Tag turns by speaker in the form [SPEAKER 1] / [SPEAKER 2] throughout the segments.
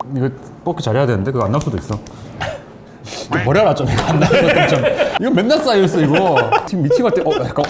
[SPEAKER 1] 이거 뽑기 잘해야 되는데 그거 안 나올 수도 있어. 이거 버려라 좀. 이거 안 나올 것도 좀. 이거 맨날 쌓여있어 이거. 팀 미팅할 때 약간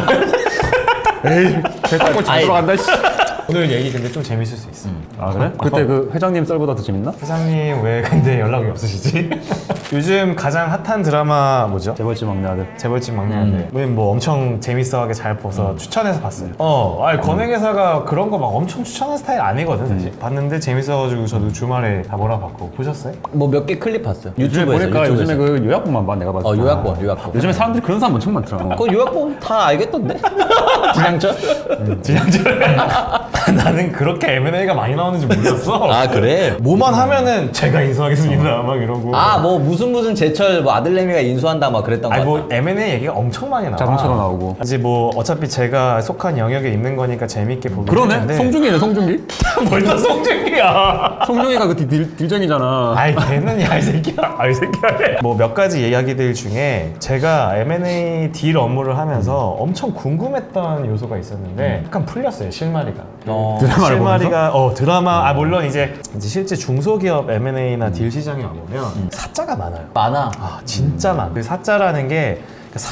[SPEAKER 1] 에이 대단골 잘 들어간다 씨.
[SPEAKER 2] 오늘 얘기 근데 좀 재밌을 수 있어.
[SPEAKER 1] 아 그래? 그때 그 회장님 썰보다 더 재밌나?
[SPEAKER 2] 회장님 왜 근데 연락이 없으시지? 요즘 가장 핫한 드라마 뭐죠?
[SPEAKER 1] 재벌집 막내 아들.
[SPEAKER 2] 재벌집 막내 아들. 우린 뭐 엄청 재밌어하게 잘 봐서 추천해서 봤어요. 아니 권행회사가 그런 거 막 엄청 추천하는 스타일 아니거든 사실. 봤는데 재밌어가지고 저도 주말에 다 몰아봤고. 보셨어요?
[SPEAKER 3] 뭐 몇 개 클립 봤어요.
[SPEAKER 1] 요즘에 보니까 요즘에 그 요약본만 봐 내가 봤을 때.
[SPEAKER 3] 요약본.
[SPEAKER 1] 요즘에 사람들이 그런 사람 엄청 많더라.
[SPEAKER 3] 그 요약본 다 알겠던데? 진양철?
[SPEAKER 2] 진양철. 나는 그렇게 M&A가 많이 나오는지 몰랐어.
[SPEAKER 3] 아 그래?
[SPEAKER 2] 뭐만 하면은 제가 인수하겠습니다 막 이러고.
[SPEAKER 3] 아 뭐 무슨 제철 뭐 아들내미가 인수한다 막 그랬던 거
[SPEAKER 2] 아니
[SPEAKER 3] 같아.
[SPEAKER 2] 뭐 M&A 얘기가 엄청 많이 나와.
[SPEAKER 1] 자동차로 나오고.
[SPEAKER 2] 이제 뭐 어차피 제가 속한 영역에 있는 거니까 재밌게 보긴
[SPEAKER 1] 그러네?
[SPEAKER 2] 했는데.
[SPEAKER 1] 송중기네 송중기?
[SPEAKER 2] 뭘또 송중기야.
[SPEAKER 1] 송중기가 그 딜정이잖아.
[SPEAKER 2] 아이 걔는 야 이 새끼야. 이 새끼야. 뭐 몇 가지 이야기들 중에 제가 M&A 딜 업무를 하면서 엄청 궁금했던 요소가 있었는데 약간 풀렸어요 실마리가.
[SPEAKER 1] 드라마를
[SPEAKER 2] 실마리가 드라마 물론 이제 실제 중소기업 M&A나 딜 시장에 와보면 사자가 많아요.
[SPEAKER 3] 많아.
[SPEAKER 2] 진짜 많아. 그 사자라는 게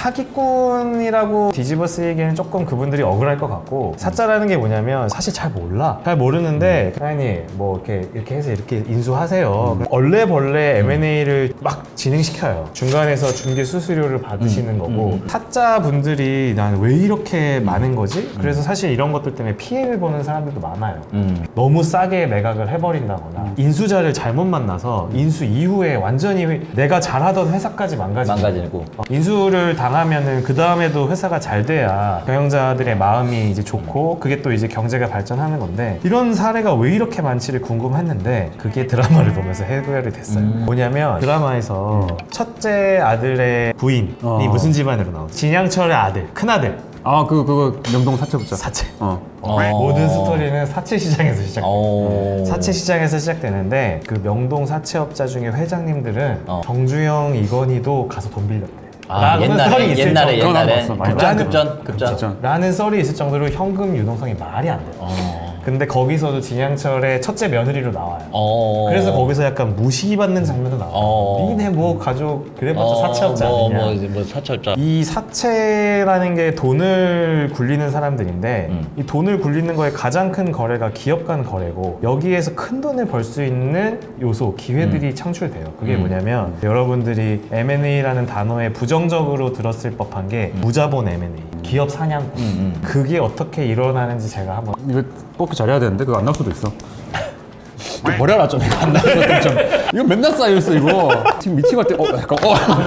[SPEAKER 2] 사기꾼이라고 뒤집어 쓰이기에는 조금 그분들이 억울할 것 같고, 사자라는 게 뭐냐면 사실 잘 몰라. 잘 모르는데 사장님 뭐 이렇게 해서 이렇게 인수하세요. 얼레벌레 M&A를 막 진행시켜요. 중간에서 중개 수수료를 받으시는 거고, 사자분들이 난 왜 이렇게 많은 거지? 그래서 사실 이런 것들 때문에 피해를 보는 사람들도 많아요. 너무 싸게 매각을 해버린다거나 인수자를 잘못 만나서 인수 이후에 완전히 내가 잘하던 회사까지
[SPEAKER 3] 망가지고.
[SPEAKER 2] 인수를 당하면은 그 다음에도 회사가 잘 돼야 경영자들의 마음이 이제 좋고 그게 또 이제 경제가 발전하는 건데, 이런 사례가 왜 이렇게 많지를 궁금했는데 그게 드라마를 보면서 해결이 됐어요. 뭐냐면 드라마에서 첫째 아들의 부인이 무슨 집안으로 나오죠? 진양철의 아들, 큰아들.
[SPEAKER 1] 그거 명동 사채업자.
[SPEAKER 2] 사채.
[SPEAKER 3] 어.
[SPEAKER 2] 모든 스토리는 사채 시장에서 시작돼요.
[SPEAKER 3] 어.
[SPEAKER 2] 사채 시장에서 시작되는데 그 명동 사채업자 중에 회장님들은 정주영, 이건희도 가서 돈 빌렸대.
[SPEAKER 3] 옛날에
[SPEAKER 1] 그건 안 봤어. 많이
[SPEAKER 3] 급전.
[SPEAKER 2] 라는 썰이 있을 정도로 현금 유동성이 말이 안 돼요. 근데 거기서도 진양철의 첫째 며느리로 나와요. 그래서 거기서 약간 무시받는 장면도 나와요. 니네 뭐 가족 그래봤자 사채업자 아니냐.
[SPEAKER 3] 뭐 사채업자.
[SPEAKER 2] 이 사채라는 게 돈을 굴리는 사람들인데 이 돈을 굴리는 거에 가장 큰 거래가 기업 간 거래고, 여기에서 큰 돈을 벌 수 있는 요소, 기회들이 창출돼요. 그게 뭐냐면 여러분들이 M&A라는 단어에 부정적으로 들었을 법한 게 무자본 M&A, 기업 사냥꾼. 그게 어떻게 일어나는지 제가 한번.
[SPEAKER 1] 이거 뽑기 잘해야 되는데 그거 안 나올 수도 있어. 이거 버려라 좀. 이거 안 나올 것도 좀. 이거 맨날 쌓여있어 이거. 팀 미팅할 때 약간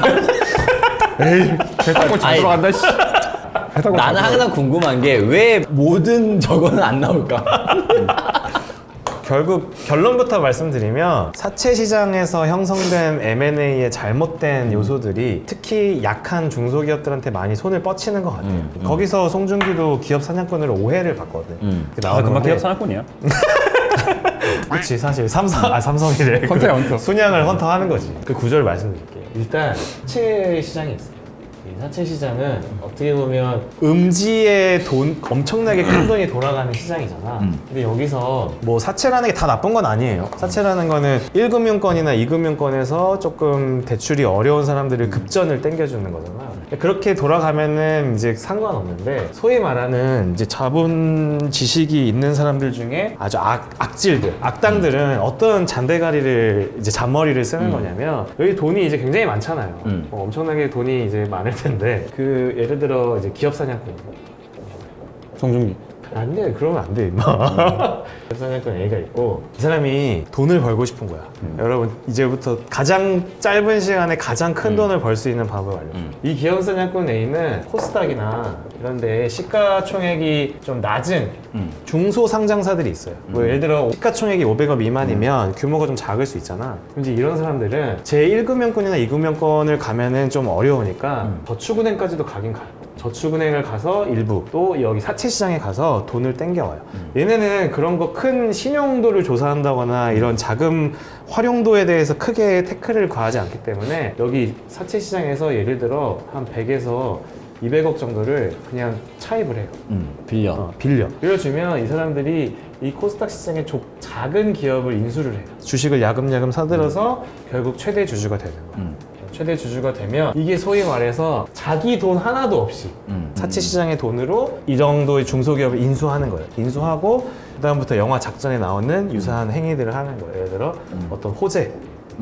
[SPEAKER 1] 에이 대단골 잘 들어간다 씨.
[SPEAKER 3] 나는 항상 궁금한 게 왜 모든 저거는 안 나올까?
[SPEAKER 2] 결국 결론부터 말씀드리면 사채 시장에서 형성된 M&A의 잘못된 요소들이 특히 약한 중소기업들한테 많이 손을 뻗치는 것 같아요. 거기서 송중기도 기업 사냥꾼으로 오해를 받거든.
[SPEAKER 1] 금방 기업 사냥꾼이야.
[SPEAKER 2] 그치, 사실 삼성이래.
[SPEAKER 1] 헌터야, 헌터.
[SPEAKER 2] 순양을 헌터하는 거지. 그 구조를 말씀드릴게요. 일단 사채 시장이 있어요. 이 사채 시장은 어떻게 보면 음지에 엄청나게 큰 돈이 돌아가는 시장이잖아. 근데 여기서 뭐 사채라는 게 다 나쁜 건 아니에요. 사채라는 거는 1금융권이나 2금융권에서 조금 대출이 어려운 사람들을 급전을 땡겨주는 거잖아. 그렇게 돌아가면은 이제 상관없는데, 소위 말하는 이제 자본 지식이 있는 사람들 중에 아주 악질들, 악당들은 어떤 잔대가리를 이제 잔머리를 쓰는 거냐면, 여기 돈이 이제 굉장히 많잖아요. 엄청나게 돈이 이제 많을 텐데, 그 예를 들어 이제 기업 사냥꾼.
[SPEAKER 1] 송중기.
[SPEAKER 2] 안 돼, 그러면 안 돼, 임마. 기업 사냥꾼 A가 있고, 이 사람이 돈을 벌고 싶은 거야. 여러분, 이제부터 가장 짧은 시간에 가장 큰 돈을 벌 수 있는 방법을 알려줘요. 이 기업 사냥꾼 A는 코스닥이나 이런 데 시가총액이 좀 낮은 중소 상장사들이 있어요. 뭐 예를 들어 시가총액이 500억 미만이면 규모가 좀 작을 수 있잖아. 이제 이런 사람들은 제1금융권이나 2금융권을 가면은 좀 어려우니까 저축은행까지도 가긴 가요. 저축은행을 가서 일부, 또 여기 사채시장에 가서 돈을 땡겨와요. 얘네는 그런 거 큰 신용도를 조사한다거나 이런 자금 활용도에 대해서 크게 태클을 가하지 않기 때문에, 여기 사채시장에서 예를 들어 한 100에서 200억 정도를 그냥 차입을 해요.
[SPEAKER 3] 빌려.
[SPEAKER 2] 빌려주면 이 사람들이 이 코스닥 시장의 작은 기업을 인수를 해요. 주식을 야금야금 사들여서 결국 최대 주주가 되는 거예요. 최대 주주가 되면 이게 소위 말해서 자기 돈 하나도 없이 사채 시장의 돈으로 이 정도의 중소기업을 인수하는 거예요. 인수하고 그다음부터 영화 작전에 나오는 유사한 행위들을 하는 거예요. 예를 들어 어떤 호재를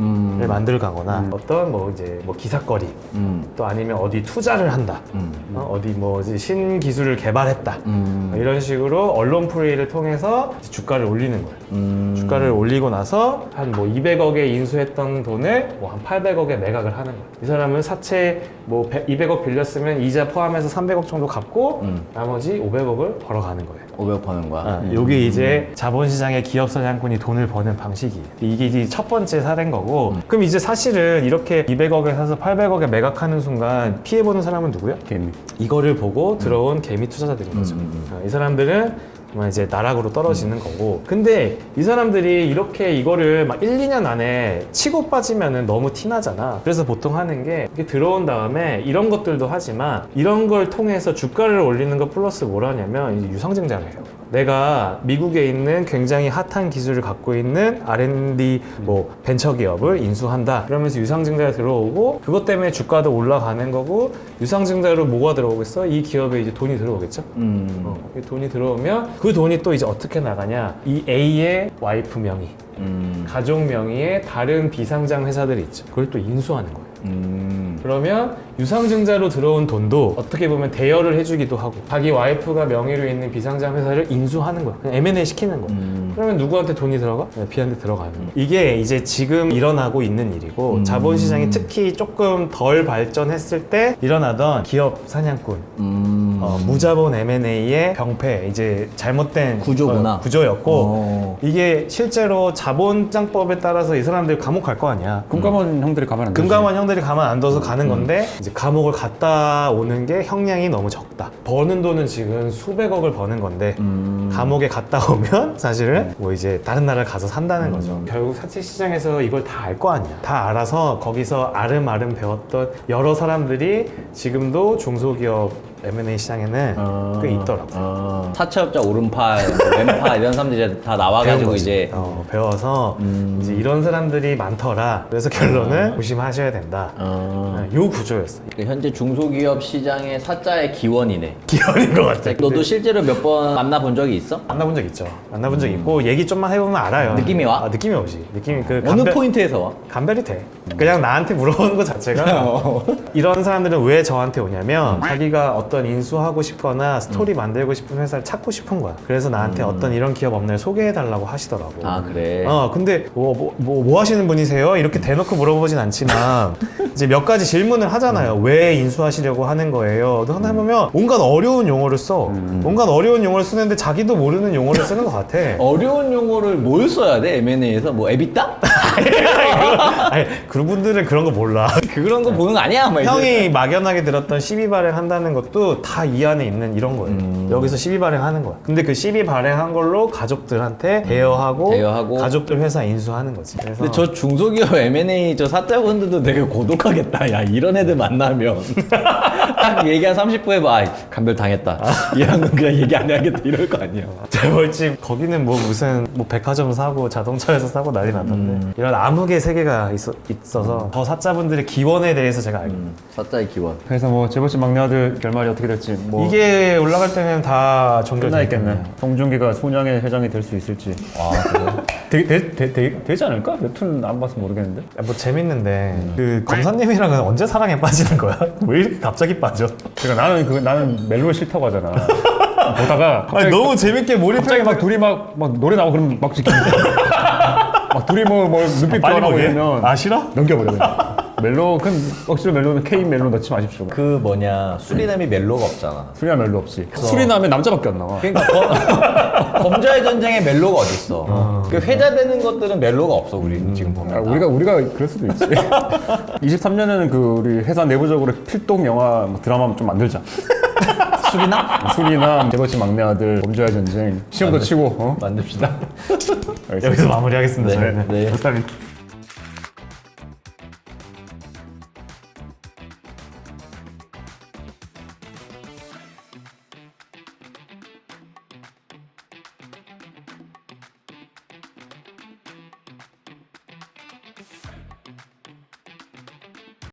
[SPEAKER 2] 만들거나 어떤 뭐 이제 뭐 기사거리 또 아니면 어디 투자를 한다. 어디 뭐 이제 신기술을 개발했다. 이런 식으로 언론 플레이를 통해서 주가를 올리는 거예요. 주가를 올리고 나서 한 뭐 200억에 인수했던 돈을 뭐 한 800억에 매각을 하는 거예요. 이 사람은 사채 뭐 200억 빌렸으면 이자 포함해서 300억 정도 갚고 나머지 500억을 벌어가는 거예요.
[SPEAKER 3] 500 버는 거야.
[SPEAKER 2] 요게 이제 자본시장의 기업 사냥꾼이 돈을 버는 방식이에요. 이게 이제 첫 번째 사례인 거고 그럼 이제 사실은 이렇게 200억에 사서 800억에 매각하는 순간 피해보는 사람은 누구야?
[SPEAKER 1] 개미.
[SPEAKER 2] 이거를 보고 들어온 개미 투자자들인 거죠. 이 사람들은 정말 이제 나락으로 떨어지는 거고 근데 이 사람들이 이렇게 이거를 막 1, 2년 안에 치고 빠지면은 너무 티나잖아. 그래서 보통 하는 게 이렇게 들어온 다음에 이런 것들도 하지만 이런 걸 통해서 주가를 올리는 거 플러스 뭘 하냐면 이제 유상증자를 해요. 내가 미국에 있는 굉장히 핫한 기술을 갖고 있는 R&D 뭐 벤처 기업을 인수한다. 그러면서 유상증자가 들어오고 그것 때문에 주가도 올라가는 거고 유상증자로 뭐가 들어오겠어? 이 기업에 이제 돈이 들어오겠죠? 이 돈이 들어오면 그 돈이 또 이제 어떻게 나가냐? 이 A의 와이프 명의, 가족 명의의 다른 비상장 회사들이 있죠. 그걸 또 인수하는 거예요. 그러면 유상증자로 들어온 돈도 어떻게 보면 대여를 해주기도 하고 자기 와이프가 명의로 있는 비상장 회사를 인수하는 거야. 그냥 M&A 시키는 거야. 그러면 누구한테 돈이 들어가? B한테 들어가는 거야. 이게 이제 지금 일어나고 있는 일이고 자본시장이 특히 조금 덜 발전했을 때 일어나던 기업 사냥꾼 무자본 M&A의 병폐 이제 잘못된
[SPEAKER 3] 구조구나.
[SPEAKER 2] 구조였고 이게 실제로 자본장법에 따라서 이 사람들 감옥 갈 거 아니야.
[SPEAKER 1] 금감원 형들이 가면 안 되지.
[SPEAKER 2] 금감원 형들이 가만 안 둬서 가는 건데 이제 감옥을 갔다 오는 게 형량이 너무 적다. 버는 돈은 지금 수백억을 버는 건데 감옥에 갔다 오면 사실은 뭐 이제 다른 나라를 가서 산다는 거죠. 결국 사채 시장에서 이걸 다 알 거 아니야. 다 알아서 거기서 아름아름 배웠던 여러 사람들이 지금도 중소기업 M&A 시장에는 꽤 있더라고요.
[SPEAKER 3] 사채업자 오른팔, 왼팔 이런 사람들이 다 나와가지고 이제
[SPEAKER 2] 배워서 이제 이런 사람들이 많더라. 그래서 결론은 조심하셔야 된다. 요 구조였어.
[SPEAKER 3] 현재 중소기업 시장의 사자의 기원이네.
[SPEAKER 2] 기원인 것 같아.
[SPEAKER 3] 너도 실제로 몇 번 만나본 적이 있어?
[SPEAKER 2] 만나본 적 있죠. 만나본 적 있고 얘기 좀만 해보면 알아요.
[SPEAKER 3] 느낌이 와?
[SPEAKER 2] 느낌이 오지. 느낌이 그
[SPEAKER 3] 어느 포인트에서 와?
[SPEAKER 2] 감별이 돼. 그냥 나한테 물어보는 것 자체가 이런 사람들은 왜 저한테 오냐면 자기가 어떤 인수하고 싶거나 스토리 만들고 싶은 회사를 찾고 싶은 거야. 그래서 나한테 어떤 이런 기업 업체를 소개해달라고 하시더라고.
[SPEAKER 3] 아 그래?
[SPEAKER 2] 근데 뭐 하시는 분이세요? 이렇게 대놓고 물어보진 않지만 이제 몇 가지 질문을 하잖아요. 왜 인수하시려고 하는 거예요? 근데 하나 해보면 온갖 어려운 용어를 써. 온갖 어려운 용어를 쓰는데 자기도 모르는 용어를 쓰는 것 같아.
[SPEAKER 3] 어려운 용어를 뭘 써야 돼? M&A에서 뭐 에비타?
[SPEAKER 2] 아니, 그분들은 그런 거 몰라.
[SPEAKER 3] 그런 거 보는 거 아니야? 막 이제.
[SPEAKER 2] 형이 막연하게 들었던 시비 발행한다는 것도 다 이 안에 있는 이런 거예요. 여기서 시비 발행하는 거야. 근데 그 시비 발행한 걸로 가족들한테 대여하고 가족들 회사 인수하는 거지. 그래서
[SPEAKER 3] 근데 저 중소기업 M&A 저 사자분들도 되게 고독하겠다. 야 이런 애들 만나면 딱 얘기 한 30분에 봐. 감별 당했다. 얘랑은 그냥 얘기 안 해야겠다 이럴 거 아니야.
[SPEAKER 2] 재벌집 거기는 뭐 무슨 뭐 백화점 사고 자동차에서 사고 난리 나던데 이런 암흑의 세계가 있어서 저 사자분들의 기원에 대해서 제가 알고
[SPEAKER 3] 사자의 기원.
[SPEAKER 1] 그래서 뭐 재벌집 막내 아들 결말이 어떻게 될지 뭐
[SPEAKER 2] 이게 올라갈 때는 다
[SPEAKER 1] 끝나
[SPEAKER 2] 종결돼
[SPEAKER 1] 있겠네. 송중기가 소냥의 회장이 될 수 있을지.
[SPEAKER 3] 아 그래?
[SPEAKER 1] 되지 않을까? 웹툰 안 봐서 모르겠는데.
[SPEAKER 2] 뭐 재밌는데 그 검사님이랑은 언제 사랑에 빠지는 거야? 왜 이렇게 갑자기 빠져?
[SPEAKER 1] 그러니까 나는 멜로 싫다고 하잖아. 보다가
[SPEAKER 2] 아니, 너무 재밌게 몰입해.
[SPEAKER 1] 갑자기 막 둘이 막 노래 나오고 그러면 막 지키는데 막 둘이 뭐 눈빛
[SPEAKER 2] 빨리
[SPEAKER 1] 변하고
[SPEAKER 2] 보게?
[SPEAKER 1] 이러면
[SPEAKER 2] 아 싫어?
[SPEAKER 1] 넘겨버려 그냥. 멜로 큰 억지로 멜로는 K 멜로 넣지 마십시오.
[SPEAKER 3] 그 뭐냐 수리남이 멜로가 없잖아.
[SPEAKER 1] 수리남 멜로 없이. 수리남에 남자밖에 안 나와.
[SPEAKER 3] 그러니까 범죄의 전쟁에 멜로가 어딨어. 그 회자되는 것들은 멜로가 없어 우리 지금 보면.
[SPEAKER 1] 아, 우리가 그럴 수도 있지. 23년에는 그 우리 회사 내부적으로 필독 영화 뭐 드라마 좀 만들자.
[SPEAKER 3] 수리남?
[SPEAKER 1] 수리남, 재벌집 막내 아들, 범죄와의 전쟁, 시험도 치고.
[SPEAKER 3] 만듭시다.
[SPEAKER 2] 여기서 마무리하겠습니다.
[SPEAKER 3] 네,
[SPEAKER 2] 저희는.
[SPEAKER 3] 네.
[SPEAKER 2] 감사합니다.